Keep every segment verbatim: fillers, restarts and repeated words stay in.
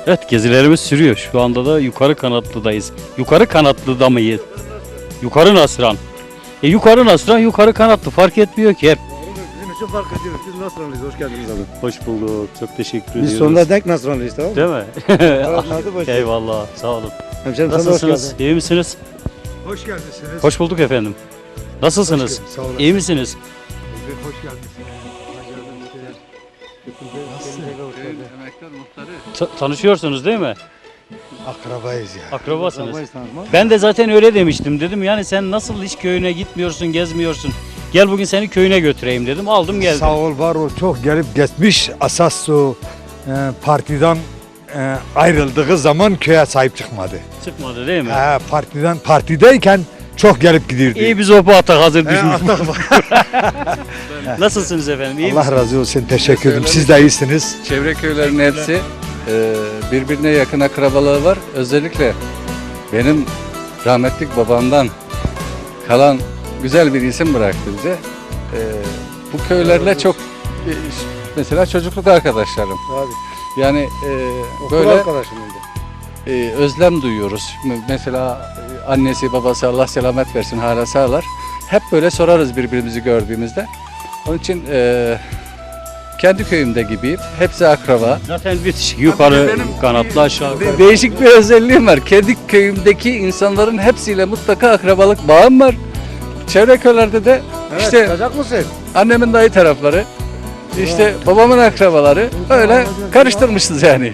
Evet, gezilerimiz sürüyor. Şu anda da Yukarı Kanatlı'dayız. Yukarı Kanatlı'da mıyız? Yukarı Nasran. E yukarı Nasran, yukarı Kanatlı fark etmiyor ki hep. Bizim için fark ediyoruz. Biz Nasranlıyız. Hoş geldiniz abi. Hoş bulduk. Çok teşekkür ediyoruz. Biz sonuna denk Nasranlıyız, tamam mı? Değil mi? Hadi boş ver. Eyvallah. Sağ olun. Hemşerim sen de hoş Nasılsınız? geldin. İyi misiniz? Hoş geldiniz. Hoş bulduk efendim. Nasılsınız? Hoş Sağ olun. İyi misiniz? Hoş geldiniz. Ta- tanışıyorsunuz değil mi? Akrabayız ya. Akrabasınız. Akrabayız, tamam mı? Ben de zaten öyle demiştim. Dedim yani sen nasıl hiç köyüne gitmiyorsun, gezmiyorsun. Gel bugün seni köyüne götüreyim dedim. Aldım geldim. Sağ ol, var ol. Çok gelip geçmiş. Asas o e, partiden e, ayrıldığı zaman köye sahip çıkmadı. Çıkmadı değil mi? Ha, partiden partideyken çok gelip gidirdi. İyi bir sopa atak hazır He, düşmüş. atak bak. Nasılsınız efendim? İyi Allah misiniz? razı olsun. Teşekkür ederim. Siz de iyisiniz. Çevre köylerin hepsi e, birbirine yakın akrabalığı var. Özellikle benim rahmetlik babamdan kalan güzel bir isim bıraktı bize. E, bu köylerle çok e, mesela çocukluk arkadaşlarım. Abi. Yani e, Okul böyle arkadaşım oldu. e, özlem duyuyoruz. Mesela e, annesi babası Allah selamet versin hala sağlar. Hep böyle sorarız birbirimizi gördüğümüzde. Onun için e, kendi köyümde gibiyim. Hepsi akraba. Zaten bitişik. Yukarı Benim kanatlı aşağı. De- değişik bir özelliğim var. Kendi köyümdeki insanların hepsiyle mutlaka akrabalık bağım var. Çevre köylerde de Evet, işte çıkacak mısın? annemin dayı tarafları, işte babamın akrabaları öyle karıştırmışız yani.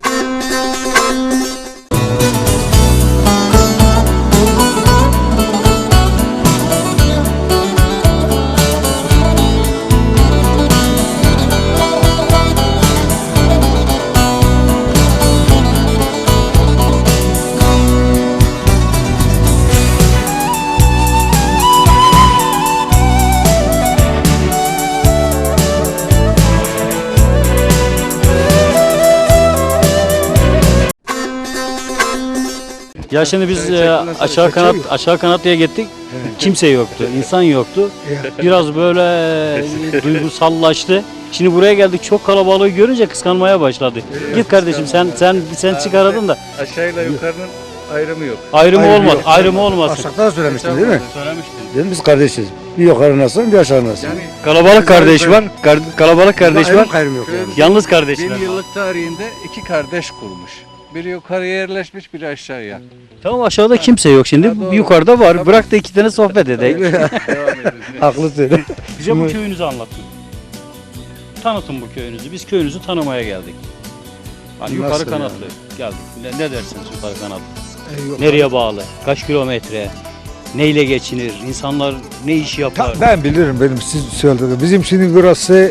Ya şimdi biz e, aşağı kanat aşağı kanatlıya gittik. Kimse yoktu. İnsan yoktu. Biraz böyle e, duygusallaştı. Şimdi buraya geldik. Çok kalabalığı görünce kıskanmaya başladı. Git kardeşim sen sen sen çıkaradın da Aşağıyla yukarının ayrımı yok. ayrımı Ayrımı olmaz. yok. Ayrımı olmasın. Aşağıda da söylemiştin değil mi? Söylemiştim. Dedim biz kardeşiz. Bir yukarı Nasran, bir aşağı Nasran. Yani Kalabalık kardeş var. Kar- kalabalık kardeş Ayrım var. gayrım yok yani. Yalnız kardeşler. bin yıllık tarihinde iki kardeş kurmuş. Biri yukarıya yerleşmiş, biri aşağıya. Tamam aşağıda kimse yok şimdi. Ha, doğru. Yukarıda var. Tamam. Bırak da iki tane sohbet edelim. Devam edelim. Haklısın. Bize bu köyünüzü anlatın. Tanıtın bu köyünüzü. Biz köyünüzü tanımaya geldik. Hani yukarı Nasıl kanatlı geldik. Ne, ne dersiniz yukarı kanatlı? E, yok. Nereye bağlı? Kaç kilometre? Neyle geçinir? İnsanlar ne iş yapar? Ta- ben bilirim benim siz söylediğiniz. Bizim şimdi burası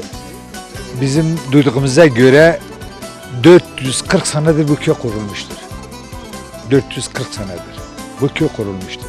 bizim duyduğumuza göre dört yüz kırk senedir bu köy kurulmuştur. dört yüz kırk senedir bu köy kurulmuştur.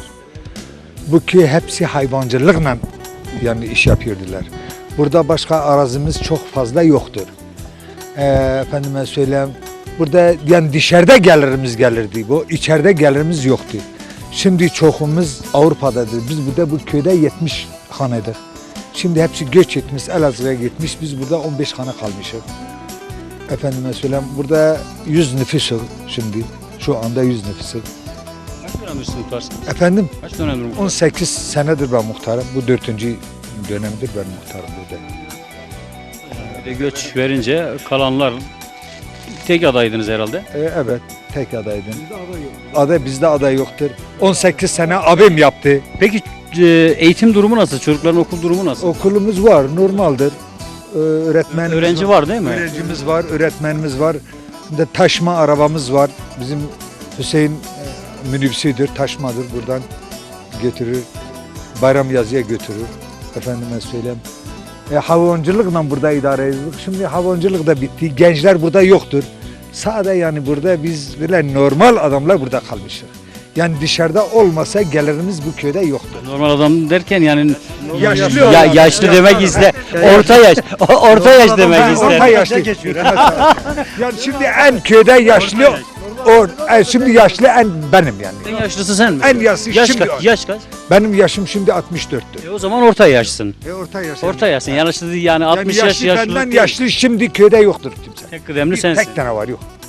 Bu köy hepsi hayvancılıkla yani iş yapıyordular. Burada başka arazimiz çok fazla yoktur. Ee, efendime söyleyeyim, burada yani dışarıda gelirimiz gelirdi bu, içeride gelirimiz yoktu. Şimdi çoğumuz Avrupa'dadır. Biz burada bu köyde yetmiş haneydik. Şimdi hepsi göç etmiş, Elazığ'a gitmiş. Biz burada on beş hane kalmışız. Efendime söyleyeyim, burada yüz nüfusuz şimdi. Şu anda yüz nüfusuz. Kaç dönemdir siz muhtarsınız? Efendim, Kaç dönemdir on muhtarsınız? sekiz senedir ben muhtarım. Bu dördüncü dönemdir ben muhtarım burada. Bir de göç verince kalanlar tek adaydınız herhalde. Ee, evet, tek adaydım. Aday bizde aday yoktur. on sekiz sene abim yaptı. Peki e, eğitim durumu nasıl? Çocukların okul durumu nasıl? Okulumuz var, normaldir. Ee, öğretmenimiz Öğrenci var değil mi? Öğrencimiz var, öğretmenimiz var. Bir de taşıma arabamız var. Bizim Hüseyin e, minibüsüdür, taşmadır. Buradan götürür. Bayram yazıya götürür. Efendime söyleyeyim. E, hayvancılıkla burada idare ediyoruz. Şimdi hayvancılık da bitti. Gençler burada yoktur. Sade yani burada biz böyle normal adamlar burada kalmışız. Yani dışarıda olmasa gelirimiz bu köyde yoktur. Normal adam derken yani Yaşlı ya, olan. yaşlı demek iste. Orta yaş. o- Orta yaş demek Ha, ister. Orta yaşlı. Yani şimdi en köyde yaşlı or, e, şimdi yaşlı en benim yani. En yaşlısı sen mi? En yaşlı yaş şimdi kaç? Yaş kaç? benim yaşım şimdi altmış dörttür. E o zaman orta yaşsın. E orta yaş. Orta yaşsın. Yaşlı değil yani yani altmış yaş yaşlı yaşlı. benden yaşlı şimdi köyde yoktur kimse. Tek kıdemli Bir sensin. tek tane var yok. İki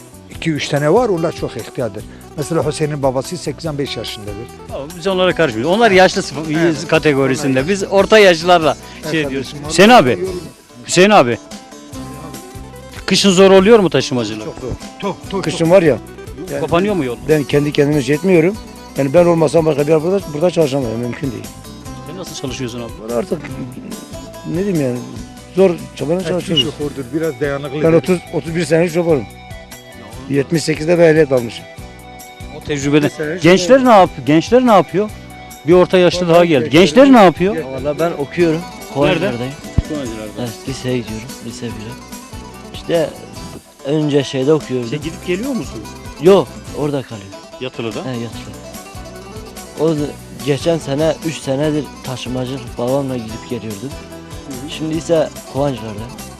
iki üç tane var, onlar çok ihtiyardır. Mesela Hüseyin'in babası seksen beş yaşındadır. Ama biz onlara karışmıyoruz. Onlar yaşlı sıf- kategorisinde. Biz orta yaşlılarla şey diyoruz. Hüseyin abi, Hüseyin abi. Kışın zor oluyor mu taşımacılık? Çok zor. Çok, çok, Kışın var ya, yani Kapanıyor mu yol? ben kendi kendime şey etmiyorum. Yani ben olmasam başka bir yer burada, burada çalışamam. Mümkün değil. Sen nasıl çalışıyorsun abi? Burada artık ne diyeyim yani, zor çabanın Eski çalışıyoruz. şofördür, biraz dayanıklı. Ben otuz otuz bir senelik şoförüm. yetmiş sekizde bir ehliyet almışım. O tecrübeden. Mesela Gençler ne yapıyor? Gençler ne yapıyor? Bir orta yaşlı daha geldi. Gençler ne yapıyor? Valla ben okuyorum. Kolaylardayım. Evet, liseye gidiyorum. Lise bire. İşte önce şeyde okuyordum. Sen gidip geliyor musun? Yok, orada kalıyor. Yatılı'da. He, yatılı. O da- geçen sene üç senedir taşımacılık babamla gidip geliyordum. Şimdi ise Kovancılar'da.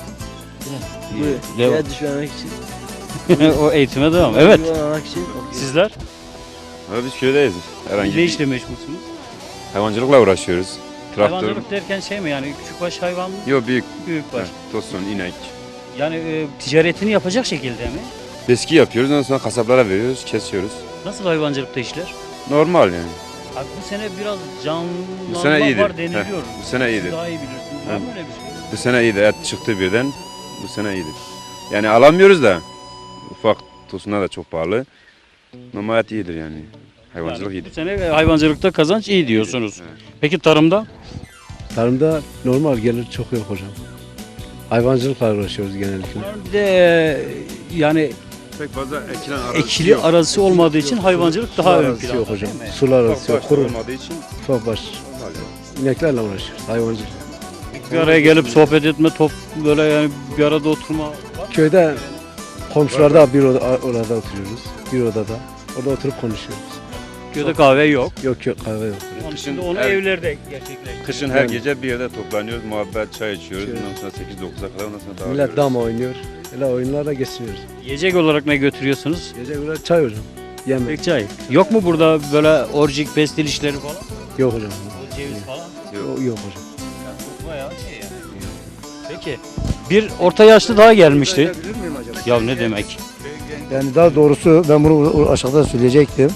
Bu Devam. şeye düşmemek için. O eğitime devam. Evet. Düşmemek için okuyorum. Sizler Ha, biz köydeyiz. Herhangi ne bir işle meşgulsünüz? hayvancılıkla uğraşıyoruz. Traktör. Hayvancılık derken şey mi yani küçükbaş hayvan mı? Yok büyük. Büyük baş. Ha, tosun, inek. Yani e, ticaretini yapacak şekilde mi? Beski yapıyoruz. Ondan sonra kasaplara veriyoruz. Kesiyoruz. Nasıl hayvancılıkta işler? Normal yani. Abi bu sene biraz canlanma Bu sene iyidir. var deniliyor. Heh, bu sene Siz iyidir. daha iyi bilirsiniz. Var mı öyle bir şey? Bu sene iyiydi. Et çıktı birden. Bu sene iyidir. Yani alamıyoruz da. Ufak tosunlar da çok pahalı. Ama et iyidir yani. Hayvancılık Yani bu iyidir. sene hayvancılıkta kazanç iyi diyorsunuz. Peki tarımda? Tarımda normal gelir çok yok hocam. Hayvancılıkla uğraşıyoruz genellikle. Bir de e, yani Pek fazla ekilen ekili arazisi olmadığı için hayvancılık daha ön Arazisi planda. yok hocam. değil mi? Sular arası yok. Kuru. olmadığı için Ufak baş. İneklerle uğraşıyoruz. Hayvancılık. Bir araya gelip sohbet etme, top böyle yani bir arada oturma var. Köyde komşularda bir oda, orada oturuyoruz. Bir odada. Orada oturup konuşuyoruz. Köyde kahve yok. Yok yok kahve yok. Onun için de Kışın onu her- evlerde gerçekleştiriyoruz. kışın her gece bir yerde toplanıyoruz. Muhabbet, çay içiyoruz. Ondan sonra sekiz dokuza kadar ondan sonra dağılıyoruz. Millet dama oynuyor. Öyle oyunlarla geçiriyoruz. Yiyecek olarak ne götürüyorsunuz? Gece böyle çay hocam. Yemek. Pek çay. Yok mu burada böyle orcik pestil işleri falan? Yok hocam. Ceviz falan? Yok, yok hocam. Bayağı şey yani. Peki. Bir orta yaşlı daha gelmişti. Ya ne demek? Yani daha doğrusu ben bunu aşağıda söyleyecektim.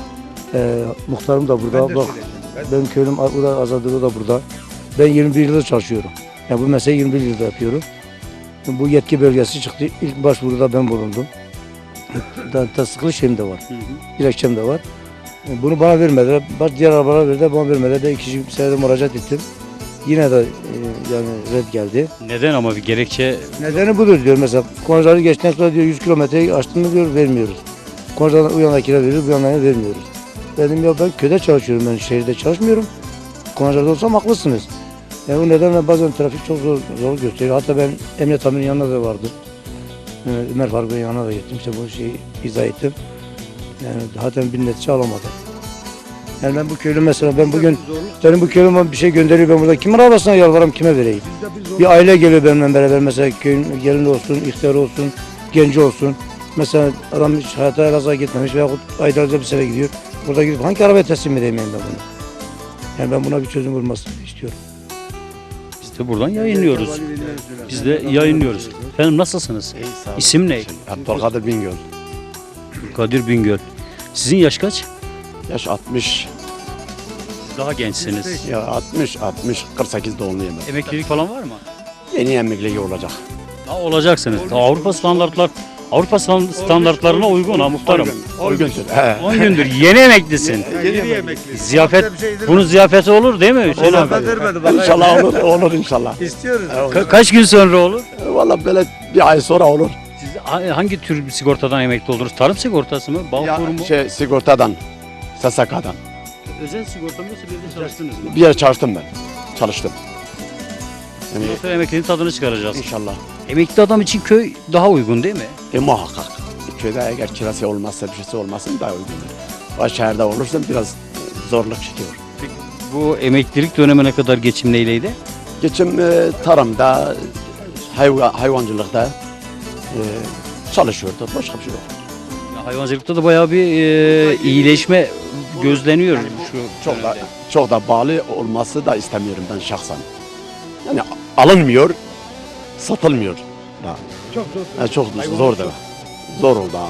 Ee, muhtarım da burada. Bak, benim köylüm burada, Azadığı da burada. Ben yirmi bir yıldır çalışıyorum. Yani bu mesleği yirmi bir yıldır yapıyorum. Bu yetki bölgesi çıktı. İlk başvuruda ben bulundum. Da, tasdikli şeyim de var. Dilekçem de var. Bunu bana vermediler. Bak diğer arabalara verdiler, bana vermediler. Ben ikinci senede müracaat ettim. Yine de e, yani red geldi. Neden ama bir gerekçe Nedeni budur diyor mesela. Koncaları geçtikten sonra diyor yüz kilometreyi aştın mı diyor vermiyoruz. Koncadan o yanakine veriyoruz, bu yanakine vermiyoruz. Dedim ya ben köyde çalışıyorum, ben şehirde çalışmıyorum. Koncalarda olsam haklısınız. Yani o nedenle bazen trafik çok zor, zor gösteriyor. Hatta ben emniyet amirinin yanına da vardım. Ee, Ömer Faruk'un yanına da gittim. İşte bu şeyi izah ettim. Yani zaten bir netice alamadım. Yani ben bu köylü mesela ben bugün benim bu köylüm bana bir şey gönderiyor, ben burada kimin arabasına yalvarırım, kime vereyim? Bir aile geliyor benimle beraber mesela köyün gelin olsun, ihtiyar olsun, genci olsun. Mesela adam hiç hayata Elazığ'a gitmemiş veya aylarca bir sene gidiyor. Burada gidip hangi arabaya teslim edeyim ben bunu? Yani ben buna bir çözüm bulmasını istiyorum. biz de buradan yayınlıyoruz. Biz de yayınlıyoruz. Efendim nasılsınız? İsim ne? Abdülkadir Bingöl. Kadir Bingöl. Sizin yaş kaç? Yaş altmış. Siz daha gençsiniz. Ya altmış, altmış, kırk sekiz doğumluyum ben. Emeklilik falan var mı? Yeni emeklilik olacak. Daha olacaksınız. Daha Avrupa standartlar Avrupa stan- standartlarına uygun ha muhtarım. Uygundur. He. on gündür yeni emeklisin. Ziyafet, bunun ziyafeti olur değil mi Hüseyin abi? İnşallah olur, olur inşallah. Ka- kaç gün sonra olur? Valla böyle bir ay sonra olur. Siz ha- hangi tür bir sigortadan emekli oluruz? Tarım sigortası mı? Bağkur Ya, mu? şey, sigortadan, S S K'dan. Özel sigorta mı yoksa bir yerde çalıştınız mı? Bir yer çalıştım ben. Çalıştım. Yani Bundan sonra emekliliğin tadını çıkaracağız. inşallah. Emekli adam için köy daha uygun değil mi? E muhakkak. Köyde eğer kirası olmazsa, bir şeysi olmazsa daha uygundur. Ama şehirde olursa biraz zorluk çekiyor. Bu emeklilik dönemine kadar geçim neyleydi? Geçim e, tarımda, hayva, hayvancılıkta e, çalışıyordu. Başka bir şey yok. Ya hayvancılıkta da bayağı bir e, iyileşme gözleniyor şu Çok da dönemde. çok da bağlı olması da istemiyorum ben şahsen. Yani alınmıyor, satılmıyor. Da. Çok zor. Yani çok zor da. Zor oldu.